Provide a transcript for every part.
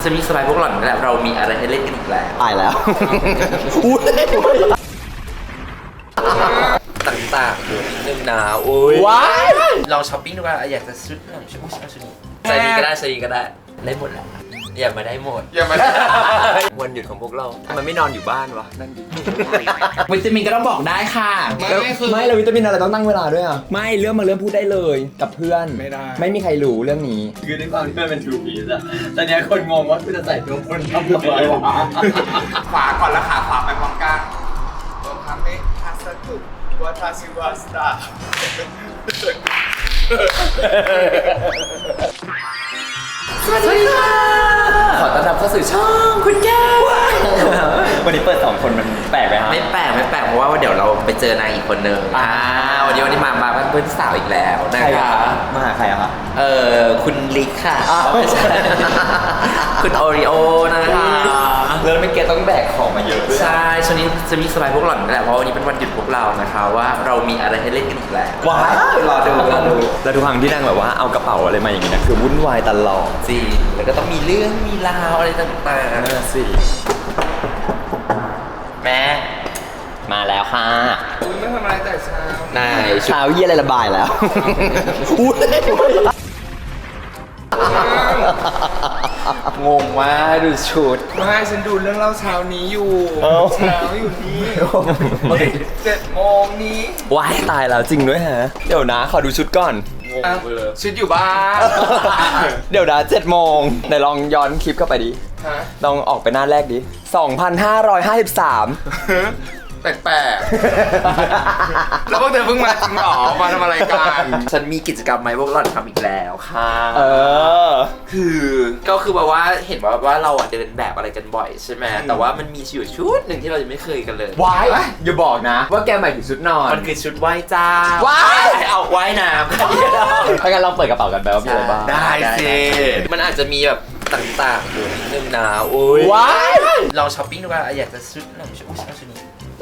จะมีสไลด์พวกหล่อนนี่แหละเรามีอะไรให้เล่นกันอีกแล้วตายแล้วต่างๆอยู่นิดนึงนะโอ้ยว้ายลองช้อปปิ้งดูว่าอยากจะชุดหนึ่งชุดนี้ชุดนี้ใส่ดีก็ได้ใส่ดีก็ได้ได้หมดแหละอย่ามาได้หมดอย่ามาได้วันหยุดของพวกเรามันไม่นอนอยู่บ้านวะนั่นดิวิตามินก็ต้องบอกได้ค่ะไม่แล้ววิตามินอะไรต้องตั้งเวลาด้วยอ่ะไม่เรื่องพูดได้เลยกับเพื่อนไม่ได้ไม่มีใครรู้เรื่องนี้คือในความที่มันเป็นทูพีซอะตอนนี้คนงงว่าคุณจะใส่ตัวคนทำอะไรวะขวาก่อนแล้วขาขวาไปพร้อมกันตัวคำนี้ทัศตุวัฒชิวาสตาสวัสดีค่ะขอต้อนรับเข้าสู่ช่องคุณแก้ววันนี้เปิด2คนมันแปลกไหมฮะไม่แปลกเพราะว่าเดี๋ยวเราไปเจอนางอีกคนนึงวันนี้มาเพื่อนสาวอีกแล้วนะคะมาหาใครอะคะคุณลิกค่ะคุณโอริโอนะคะแล้วไม่เกต้องแบกของมาเยอะด้วยใช่ช่วงนี้จะมีสไลด์พวกหล่อนนี่แหละเพราะวันนี้เป็นวันหยุดพวกเรานะคะว่าเรามีอะไรให้เล่นกันอีกแล้วว้าวรอดูแล้วทุกครั้งที่นั่งแบบว่าเอากระเป๋าอะไรมาอย่างงี้นะคือวุ่นวายตลอดจริงแล้วก็ต้องมีเรื่องมีราวอะไรต่างๆสิแม่มาแล้วค่ะไม่ทำอะไรแต่เช้าเช้าเยี่ยอะไรระบายแล้วงงว่าดูชุดไม่ฉันดูเรื่องเล่าเช้านี้อยู่เช้าอยู่นี่7 โมงนี้ว้ายตายแล้วจริงด้วยฮะเดี๋ยวนะขอดูชุดก่อนชุดอยู่บ้านเดี๋ยวนะ7 โมงไหนลองย้อนคลิปเข้าไปดิลองออกไปหน้าแรกดิ2,553 แปลกๆแล้วพวกเธอเพิ่งมาจริงหรอมาทำอะไรกันฉันมีกิจกรรมไหมพวกเราทำอีกแล้วค่ะก็คือแบบว่าเห็นว่าเราเดินแบบอะไรกันบ่อยใช่ไหมแต่ว่ามันมีชุดหนึ่งที่เรายังไม่เคยกันเลยว้ายอย่าบอกนะว่าแกหมายถึงชุดนอนมันคือชุดว่ายจ้าว้ายเอาว่ายน้ำถ้างั้นลองเปิดกระเป๋ากันไปว่ามีอะไรบ้างได้สิมันอาจจะมีแบบต่างๆอยู่นิดนึงนะโอ้ยว้ายลองช้อปปิ้งดูว่าอยากจะชุดหนึ่งชุดนี้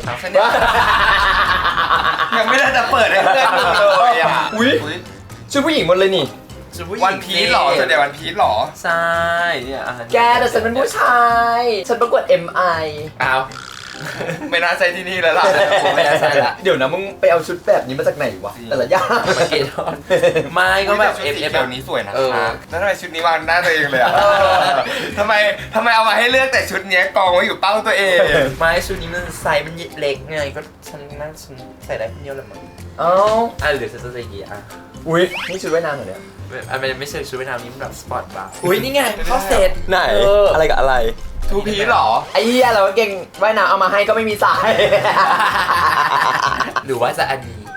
ยังไม่ได้จะเปิดให้เพื่อนดูเลยอ่ะชุดผู้หญิงหมดเลยนี่วันพีชหรอส่วนใหญ่วันพีชหรอใช่เนี่ยแกแต่ฉันเป็นผู้ชายฉันประกวด MI อ้าวไม่น่าใช่ที่นี่แล้วล่ะไม่น่าใช่ละเดี๋ยวนะมึงไปเอาชุดแบบนี้มาจากไหนวะแต่ละอย่างมาเกตอนไม่ก็แบบเอฟแบบนี้สวยนะคะแล้วทำไมชุดนี้วางหน้าตัวเองเลยอ่ะทำไมเอามาให้เลือกแต่ชุดนี้กองไว้อยู่เป้าตัวเองไม่ชุดนี้มันไซส์มันเล็กไงก็ฉันใส่ได้คนเดียวเลยมั้งหรือฉันจะใส่กี่อุ้ยนี่ชุดว่ายน้ำเหรอเนี่ยไม่ใช่ชุดว่ายน้ำนี่มันแบบสปอร์ตบาร์อุ้ยนี่ไงเข้าเซตไหนอะไรกับอะไรทูพีชหรอไอ้เหี้ยเราเก่งว่ายน้ำเอามาให้ก็ไม่มีสายหรือว่าจะอันนี้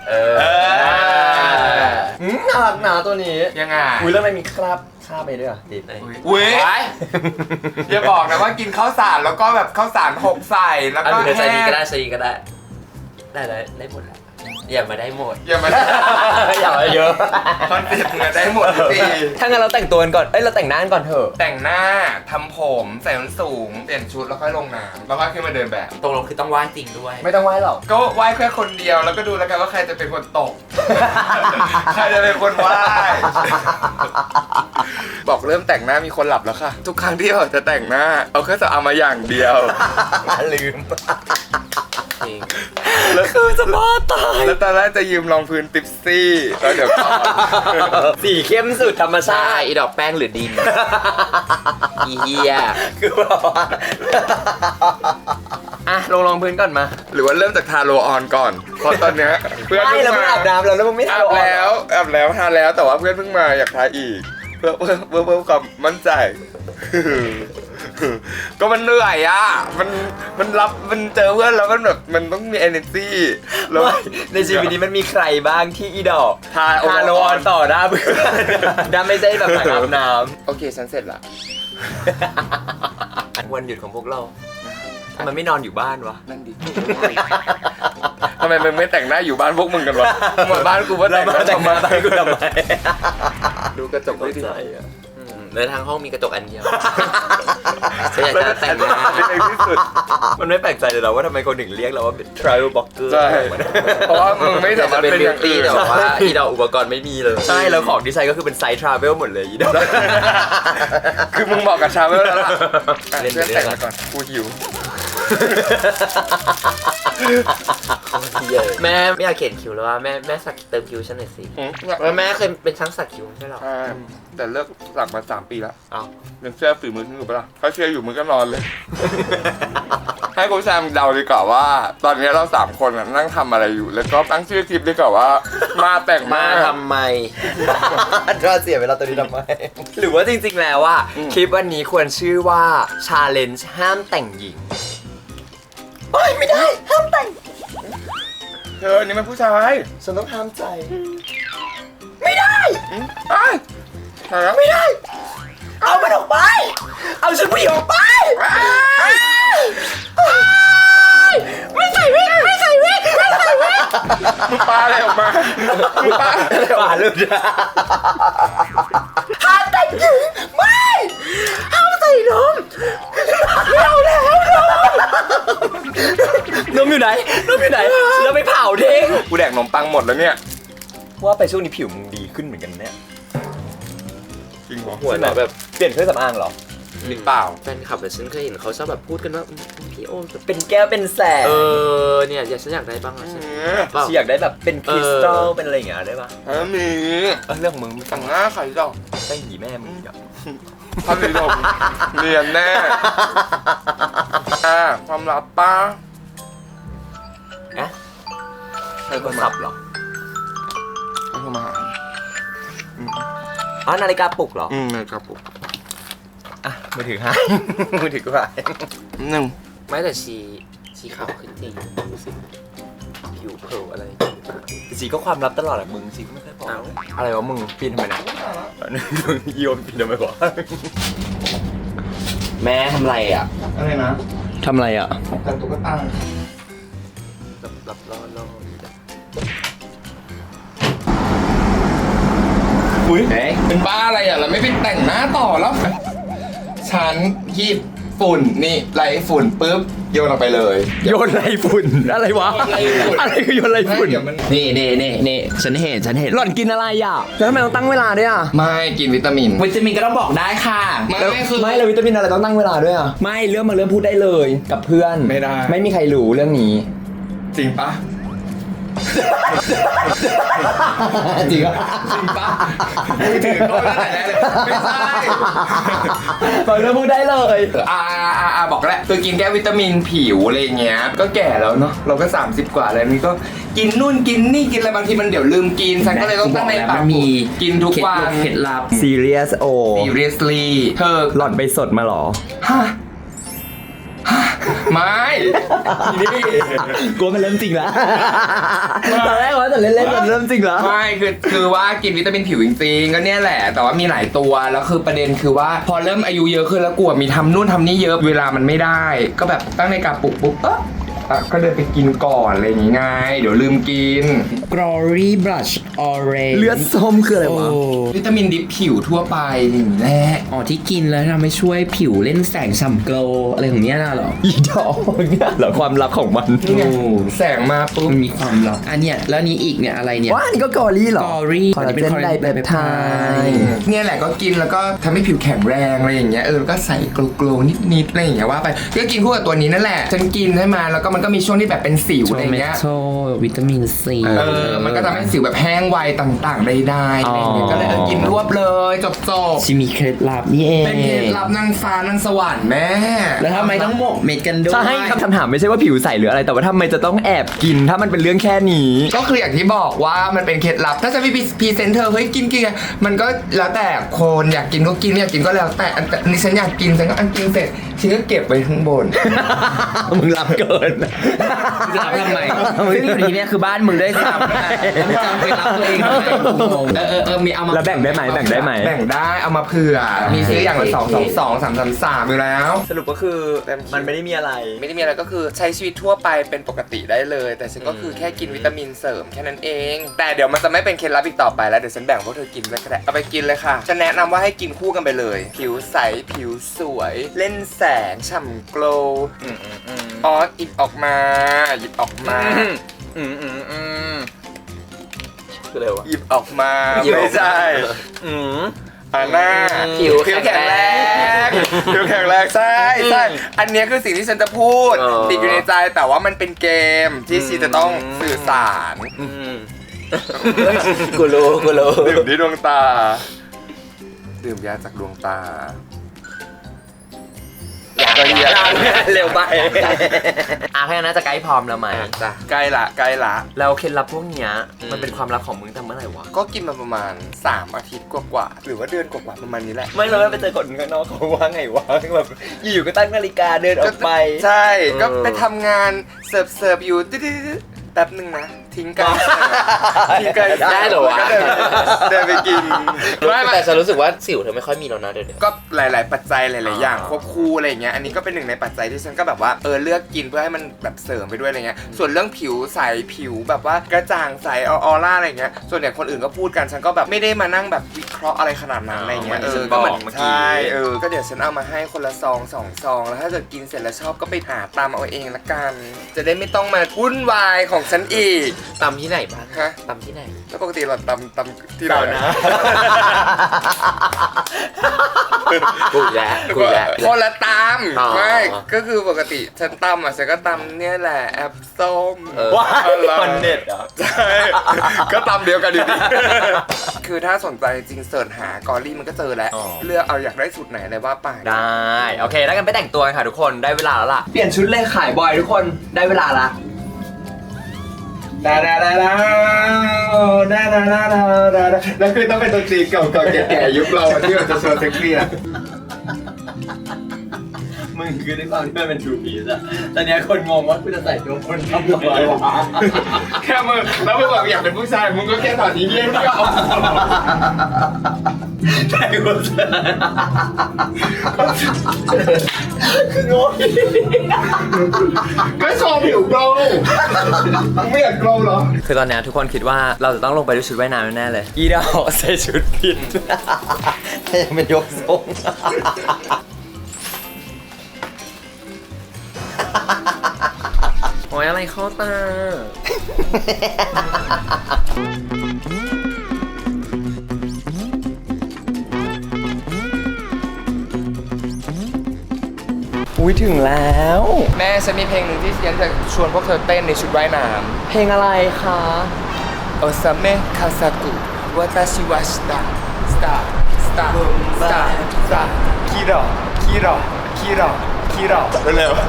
น่ารักหนาตัวนี้ยังไงอุ้ยแล้วมันมีคราบไปด้วยติดอุ้ยอย่าบอกนะว่ากินข้าวสารแล้วก็แบบข้าวสาร6ใส่แล้วก็ใส่ดีก็ได้ใส่ดีก็ได้ได้หมดแหละอย่ามาได้หมดอย่ามาเยอะคอนเซ็ปต์มึงได้หมดสิถ้างั้นเราแต่งตัวกันก่อนเราแต่งหน้าก่อนเถอะแต่งหน้าทำผมใส่ส้นสูงเปลี่ยนชุดแล้วค่อยลงน้ำแล้วก็ขึ้นมาเดินแบบตรงลงคือต้องไหว้จริงด้วยไม่ต้องไหว้หรอกก็ไหว้แค่คนเดียวแล้วก็ดูแล้วกันว่าใครจะเป็นคนตกใครจะเป็นคนไหว้บอกเริ่มแต่งหน้ามีคนหลับแล้วค่ะทุกครั้งที่เราจะแต่งหน้าเอาแค่จะเอามาอย่างเดียวลืมแล้วคือจะบ้าตายแล้วตอนแรกจะยืมรองพื้นติ๊บซี่แล้วเดี๋ยวก่อนสีเข้มสุดธรรมชาติอีดอกแป้งหรือดินอีเหี้ยคือแบบว่าลงรองพื้นก่อนมาหรือว่าเริ่มจากทาโรออนก่อนเพราะตอนเนี้ยเพื่อนไม่อาบน้ำแล้วมึงไม่ทาอาบแล้วทาแล้วแต่ว่าเพื่อนเพิ่งมาอยากทาอีกเพื่อความมั่นใจก็มันเหนื่อยอ่ะมันเจอเพื่อนแล้วมันแบบมันต้องมี energy แล้วในชีวิตนี้มันมีใครบ้างที่อีดอกทาโรออนต่อหน้าเพื่อนด้ไม่ใช่แบบอาบน้ำโอเคฉันเสร็จละวันหยุดของพวกเรามันไม่นอนอยู่บ้านวะนั่นดิทำไมมึงไม่แต่งหน้าอยู่บ้านพวกมึงกันวะหมดบ้านกูว่าแต่งหน้าทำไมดูกระจกไม่ดีในทางห้องมีกระจกอันเดียวฉันอยากจะแต่งงานในที่สุดมันไม่แปลกใจเลยเหรอว่าทำไมคนถึงเรียกเราว่าเป็น travel blogger ใช่เพราะว่ามึงไม่สามารถเป็นเป็นบิอวย่างตี้อื่นแต่ว่าอีดอกอุปกรณ์ไม่มีเลย ใช่แล้วของที่ใช้ก็คือเป็นไซส์ travel หมดเลยอีดอกคือมึงบอกกับชาเวลแล้วล่ะเล่นไปเพื่อนเรื่อยแต่งมาก่อนกูหิวแม่ไม่อยากเขียนคิ้วแล้วว่าแม่สักเติมคิ้วฉันหน่อยสิแล้วแม่เคยเป็นช่างสักคิ้วใช่หรอแต่เลิกสักมา3 ปีแล้วเอายังเชื่อฝีมือมึงอยู่ปะล่ะถ้าเชื่ออยู่มึงก็นอนเลย ให้คุณแซมเดาดีกว่าว่า ตอนนี้เรา3 คนน่ะนั่งทำอะไรอยู่ แล้วก็ตั้งชื่อคลิปดีกว่าว่า มาแต่งมามาทำไมก็เสียเวลาตัวนี้ทำไม หรือว่าจริงๆแล้วว่าคลิปวันนี้ควรชื่อว่า challenge ห้ามแต่งหญิงโอ้ยไม่ได้ห้ามแต่งเธอนี่มันผู้ชายฉันต้องห้ามใจไอ้ยใช่แล้วไม่ได้ เอามันออกไป เอาฉันผู้หญิงออกไป ไม่ใส่วิกไม่ใส่วิกไม่ใส่วิกมึงปาอะไรออกมามึงปาอะไรออกป่ามาเลยห้ามแต่งหญิงไม่ห้ามใส่นมไม่เอาแล้วนมอยู่ไหนนมอยู่ไหนแล้วไปเผาทิ้งกูแดกขนมปังหมดแล้วเนี่ยว่าไปช่วงนี้ผิวมึงดีขึ้นเหมือนกันเนี่ยจริงเหรอหัวหน่อยแบบเปลี่ยนเครื่องสำอางเหรอหรือเปล่าแฟนคลับแต่ฉันเคยเห็นเขาชอบแบบพูดกันว่าพี่โอเป็นแก้วเป็นแสงเนี่ยฉันอยากได้บ้างอะฉันฉันอยากได้แบบเป็นคริสตัลเป็นอะไรอย่างเงี้ยได้ปะมีเรื่องของมึงแต่งหน้าใครดอกได้หีแม่มึงอ่ะพันธุ์ดมเรียนแน่ความลับป้าอะใครก็สับเหรอโทรมาหาอ๋อนาฬิกาปลุกเหรอในกระปุกอ่ะมือถือหาย มือถือก็หาย 1 ไม่แต่ชีขาวขึ้นจริงดูสิผิวเผลออะไรสีก็ความลับตลอดอะมึงสีก็ไม่เคยบอกเอาอะไรวะมึงปีนทำไมนะอีโอมปีนทำไมวะแม่ทำไรอ่ะอะไรนะทำอะไรอ่ะแต่ตุ๊กตารับล่ออุ้ยเป็นบ้าอะไรอ่ะเราไม่ไปแต่งหน้าต่อแล้ว ฉันหยิบฝุ่นนี่ไล่ฝุ่นปุ๊บโยนออกไปเลยโยนไรฝุ่นอะไรวะโยนไรฝุ่นอะไรคือโยนไรฝุ่นเดี๋ยวมันนี่ฉันเห็นหล่อนกินอะไรอ่ะแล้วทำไมต้องตั้งเวลาด้วยอ่ะไม่กินวิตามินวิตามินก็ต้องบอกได้ค่ะไม่คือไม่แล้ววิตามินอะไรต้องตั้งเวลาด้วยอ่ะไม่เรื่องมาเรื่องพูดได้เลยกับเพื่อนไม่ได้ไม่มีใครรู้เรื่องนี้จริงปะจริงอ่ะจริงปะมือถือก็ไม่ได้เลยไม่ใช่ฟังเรื่องพูดได้เลยบอกแล้วตัวกินแก้วิตามินผิวอะไรเงี้ยก็แก่แล้วเนาะเราก็30 กว่าแล้วนี่ก็กินนู่นกินนี่กินอะไรบางทีมันเดี๋ยวลืมกินฉันก็เลยต้องตั้งในปากมีกินทุกวันเคล็ดลับ serious โอ seriously เธอหล่อนไปสดมาหรอฮะไม่ นี่กลัวมันเริ่มจริงแล้วตอนแรกว่าแต่เล่นๆมันเริ่มจริงแล้วไม่คือว่ากินวิตามินผิวจริงๆก็เนี่ยแหละแต่ว่ามีหลายตัวแล้วคือประเด็นคือว่าพอเริ่มอายุเยอะขึ้นแล้วกลัวมีทำนู่นทำนี่เยอะเวลามันไม่ได้ ก็แบบตั้งในกระปุกปุ๊บก็เดินไปกินก่อนอะไรอย่างงี้ไงเดี๋ยวลืมกิน Glory Blush Orange เลือดส้มคืออะไรวะวิตามินดิบผิวทั่วไปอย่างนี้แหละอ๋อที่กินแล้วทำให้ช่วยผิวเล่นแสงฉ่ำโกลว์อะไรของเนี้ยน่ะเหรออีดอกเนี่ยเหรอความลับของมันนี่ไงแสงมาปุ๊บมันมีความลับอันเนี้ยแล้วนี้อีกเนี่ยอะไรเนี่ยว้านี่ก็กอรี่เหรอ Glory คอลลาเจนไดเปปไทด์เนี่ยแหละก็กินแล้วก็ทำให้ผิวแข็งแรงอะไรอย่างเงี้ยแล้วก็ใส่โกลๆนิดๆอะไรอย่างเงี้ยว่าไปก็กินคู่กับตัวนี้นั่นแหละฉันกินใช่ไหมแล้วก็มันก็มีช่วงที่แบบเป็นสิวอะไรอย่างเงี้ยโทวิตามินซีมันก็ทำให้สิวแบบแห้งไวต่างๆได้ๆอะไรอย่างเงี้ยก็เลยกินรวบเลยจบชิมีเคล็ดลับนี่เองๆเป็นเคล็ดลับนางฟ้านางสวรรค์แม่แล้วทำไมต้องหมกเม็ดกันด้วยใช่คำถามไม่ใช่ว่าผิวใสหรืออะไรแต่ว่าทำไมจะต้องแอบกินถ้ามันเป็นเรื่องแค่นี้ก็คืออย่างที่บอกว่ามันเป็นเคล็ดลับ ถ้าจะมีพรีเซนเตอร์เฮ้ยกินมันก็แล้วแต่คนอยากกินก็กินไม่อยากกินก็แล้วแต่อันนี้ฉันอยากกินฉันก็กินเสร็จฉันก็เก็บไว้ข้างบนมึงรับเกินจะรับทำไมซึ่งอยู่ที่เนี่ยคือบ้านมึงด้วยซ้ำแล้วมึงจะไปรับตัวเองทำไมงงมีเอามาแล้วแบ่งได้ไหมแบ่งได้ไหมแบ่งได้เอามาเผื่อมีซื้ออย่างละ2 2 2 3 3 3อยู่แล้วสรุปก็คือมันไม่ได้มีอะไรไม่ได้มีอะไรก็คือใช้ชีวิตทั่วไปเป็นปกติได้เลย แต่ฉันก็คือแค่กินวิตามินเสริมแค่นั้นเอง แต่เดี๋ยวมันจะไม่เป็นเคล็ดลับอีกต่อไปแล้วเดี๋ยวฉันแบ่งพวกเธอกินเลยก็ได้เอาไปกินเลยค่ะฉันแนะนำว่าให้กินคู่กันไปเลย ผิวใสผิวสวย เล่นแสงฉ่ำโกลว์อ๋อหยิบออกมาหยิบออกมาคืออะไรวะหยิบออกมาหยิบออกมาไม่ใช่หน้าผิวแข็งแรงผิวแข็งแรงใช่ใช่อันเนี้ยคือสิ่งที่ฉันจะพูด ติดอยู่ในใจแต่ว่ามันเป็นเกมที่ชีจะต้องสื่อสารกูรู้ดื่มที่ดวงตา ดื่มยาจากดวงตาก็เหี้ยเร็วไปแค่นั้นน่าจะใกล้พร้อมแล้วไหมจ้ะใกล้ละใกล้ละแล้วเคล็ดลับพวกเนี้ยมันเป็นความลับของมึงทำเมื่อไหร่วะก็กินมาประมาณ3 อาทิตย์กว่าๆหรือว่าเดือนกว่าๆประมาณนี้แหละไม่เราไปเจอคนข้างนอกเขาว่าไงวะแบบอยู่ๆก็ตั้งนาฬิกาเดินออกไปใช่ก็ไปทำงานเสิร์ฟอยู่แป๊บนึงนะทิ้งกันทิ้งกันได้เหรอวะก็เดินไปกินไม่แต่ฉันรู้สึกว่าสิวเธอไม่ค่อยมีแล้วนะเดี๋ยวนี้ก็หลาย ๆ ปัจจัยหลาย ๆ อย่างควบคู่อะไรอย่างเงี้ยอันนี้ก็เป็นหนึ่งในปัจจัยที่ฉันก็แบบว่าเลือกกินเพื่อให้มันแบบเสริมไปด้วยอะไรเงี้ยส่วนเรื่องผิวใสผิวแบบว่ากระจ่างใสออร่าอะไรเงี้ยส่วนใหญ่คนอื่นก็พูดกันฉันก็แบบไม่ได้มานั่งแบบวิเคราะห์อะไรขนาดนั้นอะไรเงี้ยก็เหมือนเมื่อกี้ใช่ก็เดี๋ยวฉันเอามาให้คนละซอง2 ซองแล้วถ้าเกิดกินเสร็จแล้วชอบก็ไปหาตามเอาเองละกันจะได้ไม่ต้องมาวุ่นวายของฉันอีกตำที่ไหนบ้างฮะตำที่ไหนแล้วปกติเราตำที่ไหนนะกูแล้วคนละตอ๋อำไม่ก็คือปกติฉันตำฉันก็ตำเนี่ยแหละแอปส้มว้าอะไรมันเด็ดอ่ะใช่ก็ตำเดียวกันอยู่ดี คือถ้าสนใจจริงเสิร์ชหากอรี่มันก็เจอแล้วอ๋อเลือกเอาอยากได้สูตรไหนอะไรว่าไปได้โอเคแล้วกันไปแต่งตัวกันค่ะทุกคนได้เวลาแล้วล่ะเปลี่ยนชุดเลยขายบอยทุกคนได้เวลาละดาแล้วคือต้องเป็นดนตรีเก่าๆแก่ๆยุคเราที่เราจะโชว์เซ็กซี่อะมึงคือด้วยความที่มันเป็นทูพีซอะตอนนี้คนงงว่ากูจะใส่ตัวคนทำอะไรวะแค่มึงแล้วมึงบอกอยากเป็นผู้ชายมึงก็แค่ถอดทีเยี่ยมก็เอาใช่กูจะคืองงก็โชว์ผิวโกลว์ไม่อยากโกลว์เหรอคือตอนนี้ทุกคนคิดว่าเราจะต้องลงไปด้วยชุดว่ายน้ำแน่ๆเลยอีดาวใส่ชุดผิดถ้ายังเป็นยกทรงโอ้ยอะไรเข้าตาอุ้ยถึงแล้วแม่ฉันมีเพลงหนึ่งที่ฉันจะชวนพวกเธอเต้นในชุดว่ายน้เพลงอะไรคะำโอซาเมะคาซากุวาตาชิวาชิตะสตาร์สตาร์สตาร์สตาร์คิโรคิโรคิโรคิโรเร็ว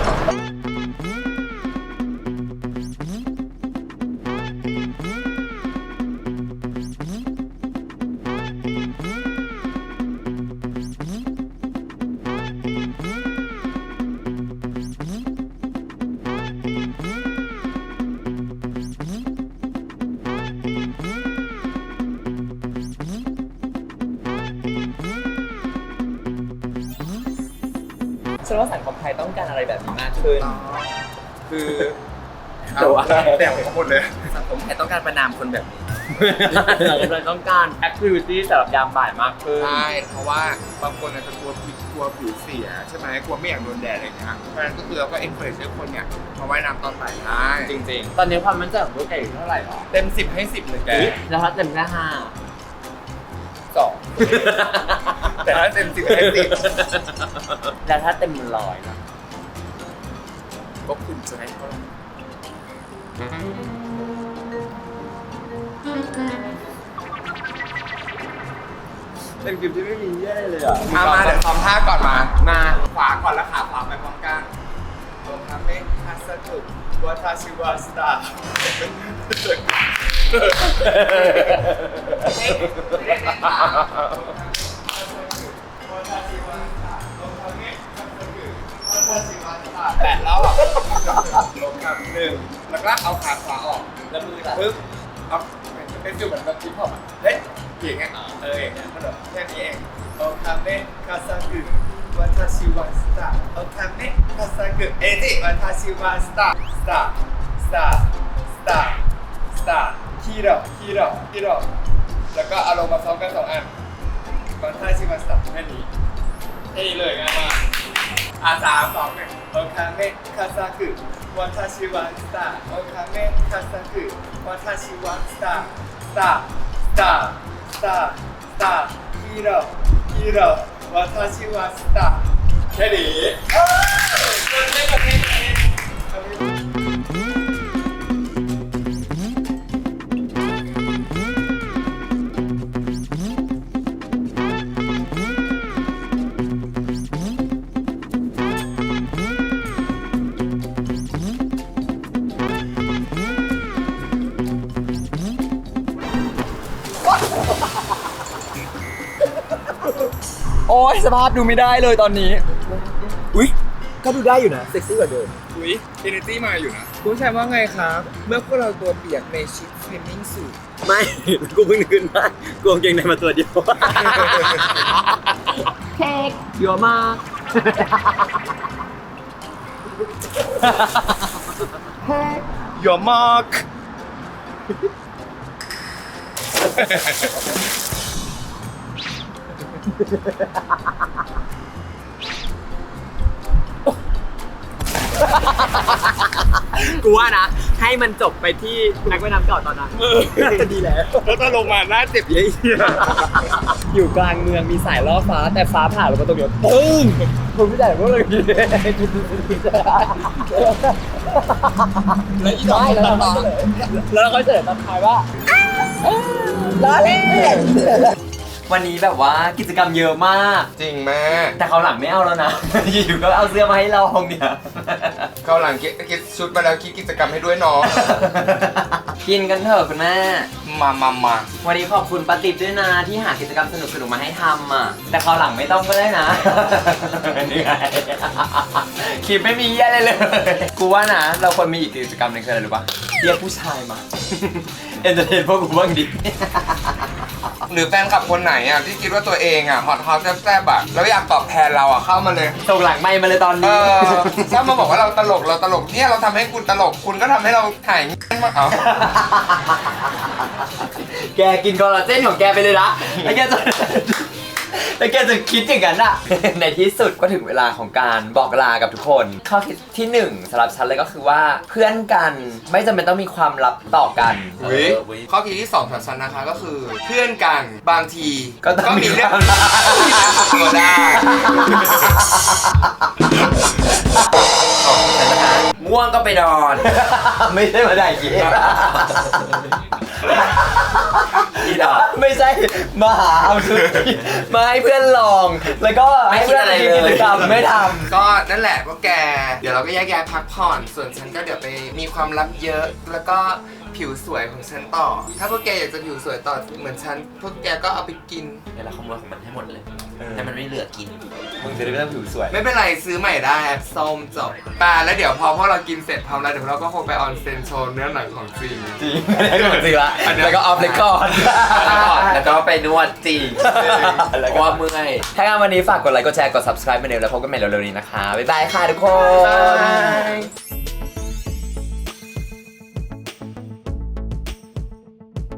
ฉันว่าสังคมไทยต้องการอะไรแบบนี้มากขึ้น คือแต่ว่าแต่งหมดเลยสังคมไทยต้องการประนามคนแบบนี้สังคมไทยต้องการแอคทิวิตี้สำหรับยามบ่ายมากขึ้นใช่เพราะว่าบางคนอาจจะกลัวผิวเสียใช่ไหมกลัวไม่อยากโดนแดดอะไรอย่างเงี้ยเพราะฉะนั้นก็คือเราก็ encourage ให้คนเนี่ยมาว่ายน้ำตอนบ่ายได้จริงตอนนี้ความมั่นใจของตัวแกอยู่เท่าไหร่หรอเต็ม10ให้10เลยแกแล้วถ้าเต็มแค่5 2แต่ถ้าเต็ม10ให้10 แล้วถ้าเต็ม100ล่ะก็คุณจะให้เท่าไหร่เป็นคลิปที่ไม่มีแย่เลยอ่ะมาเดี๋ยวทำท่าก่อนมาขวาก่อนแล้วขาขวาไปพร้อมกันโอคาเมะคาซากุวาทาชิวาสตาแปดแล้วอ่ะโลกาครับหนึ่งแล้วก็เอาขาขวาออกแล้วมือปึ๊บเอาเป็นฟิลเหมือนแบบฮิปฮอปอ่ะเฮ้ยอย่างเงี้ยอย่างเงี้ยมันแบบแค่นี้เองโอคาเมะคาซากุวัตาชิวะสตาร์โอคาเมะคาซากุจิวัตาชิวะสตาร์สตาร์สตาร์สตาร์สตาร์ฮีโร่แล้วก็เอาลงมาซ้อมกัน2 อันวัตาชิวะสตาร์แค่นี้เลยง่ายมาก3 2 1โอคาเมะคาซากุวัตาชิวะสตาร์โอคาเมะคาซากุวัตาชิวะสตาร์สตาร์สตาร์สตาร์สตาร์ฮีโร่วัตาชิวะสตาร์แค่นี้โอ้ยสภาพดูไม่ได้เลยตอนนี้อุ๊ยก็ดูได้อยู่นะเซ็กซี่กว่าเดิมอุ้ยเอเนจีมาอยู่นะคุณชายว่าไงครับ เมื่อพวกเราตัวเปียกในชิดสวิมมิ่งสูทไม่ กูเพิ่งนึกขึ้นได้กูกางเกงในมาตัวเดียวเค้กเยอะมากเยอะมากกูว่านะ ให้มันจบไปที่นักว่ายน้ำเก่าตอนนั้นดีแล้วแล้วก็ลงมาหน้าเจ็บเยี่ยอยู่กลางเมืองมีสายล่อฟ้าแต่ฟ้าผ่าลงมาตรงเดียวปึ้งคุณไม่ได้พวกเราดีแล้วเราก็เจอตอนท้ายว่าล้อเล่นวันนี้แบบว่ากิจกรรมเยอะมากจริงแม่แต่เขาวหลังไม่เอาแล้วนะ อยู่ๆก็เอาเสื้อมาให้ลองเนี่ยเขาหลังคิดชุดมาแล้วคิดกิจกรรมให้ด้วยเนาะกินกันเถอะคุณแม่มาวันนี้ขอบคุณป้าติ๊บด้วยนะที่หากิจกรรมสนุกๆมาให้ทำอ่ะ แต่คราวหลังไม่ต้องก็ได้นะ นี่ไงคลิปไม่มีเยี่ยอะไรเลย กูว่านะ เราควรมีอีกกิจกรรมหนึงคืออะไรรู้ปะเรียกผู้ชายมา เอนเตอร์เทนพวกกูบ้างดิหรือแฟนคลับคนไหนอ่ะที่คิดว่าตัวเองอ่ะฮอตแซ่บๆอ่ะแล้วอยากตอบแทนเราอ่ะเข้ามาเลยส่งหลังไม่มาเลยตอนนี้ถ้ามาบอกว่าเราตลกเนี่ยเราทำให้คุณตลกคุณก็ทำให้เราถ่ายมาเอาแกกินคอลลาเจนของแกไปเลยนะแล้วแกจะคิดอย่างนั้นอะในที่สุดก็ถึงเวลาของการบอกลากับทุกคน ข้อคิดที่ 1สำหรับฉันเลยก็คือว่าเพื่อนกันไม่จำเป็นต้องมีความลับต่อกันข้อคิดที่2สำหรับฉันนะคะก็คือเพื่อนกันบางทีก็ต้องมีเรื่องความลับตัวได้ง่วงก็ไปนอนไม่ใช่มาได้เกี้อีดอกไม่ใช่มาหาเอาชุดมาให้เพื่อนลอง แล้วก็ให้เพื่อนไม่คิดอะไรเลยกิจกรรมไม่ทำก็นั่นแหละพวกแกเดี๋ยวเราก็แยกย้ายพักผ่อนส่วนฉันก็เดี๋ยวไปมีความลับเยอะแล้วก็ผิวสวยของฉันต่อ ถ้าพวกแกอยากจะผิวสวยต่อเหมือนฉันพวกแกก็เอาไปกินเดี๋ยวเราขโมยของมันให้หมดเลยให้มันไม่เหลือกินมึงจะได้ไม่ต้องผิวสวยไม่เป็นไรซื้อใหม่ได้แอปส้มจบแล้วเดี๋ยวพอพวกเรากินเสร็จพร้อมแล้วเดี๋ยวเราก็คงไปออนเซนโชว์เนื้อหนังของจริงจริงไม่ได้เหมือนจริงละแล้วก็ออฟเรคคอร์ดแล้วก็ไปนวดจริงเพราะว่าเมื่อยถ้างั้นวันนี้ฝากกดไลค์กดแชร์กด subscribe มาเร็วแล้วพบกันใหม่เร็วๆนี้นะคะ บ๊ายบายค่ะทุกคนบ๊ายบาย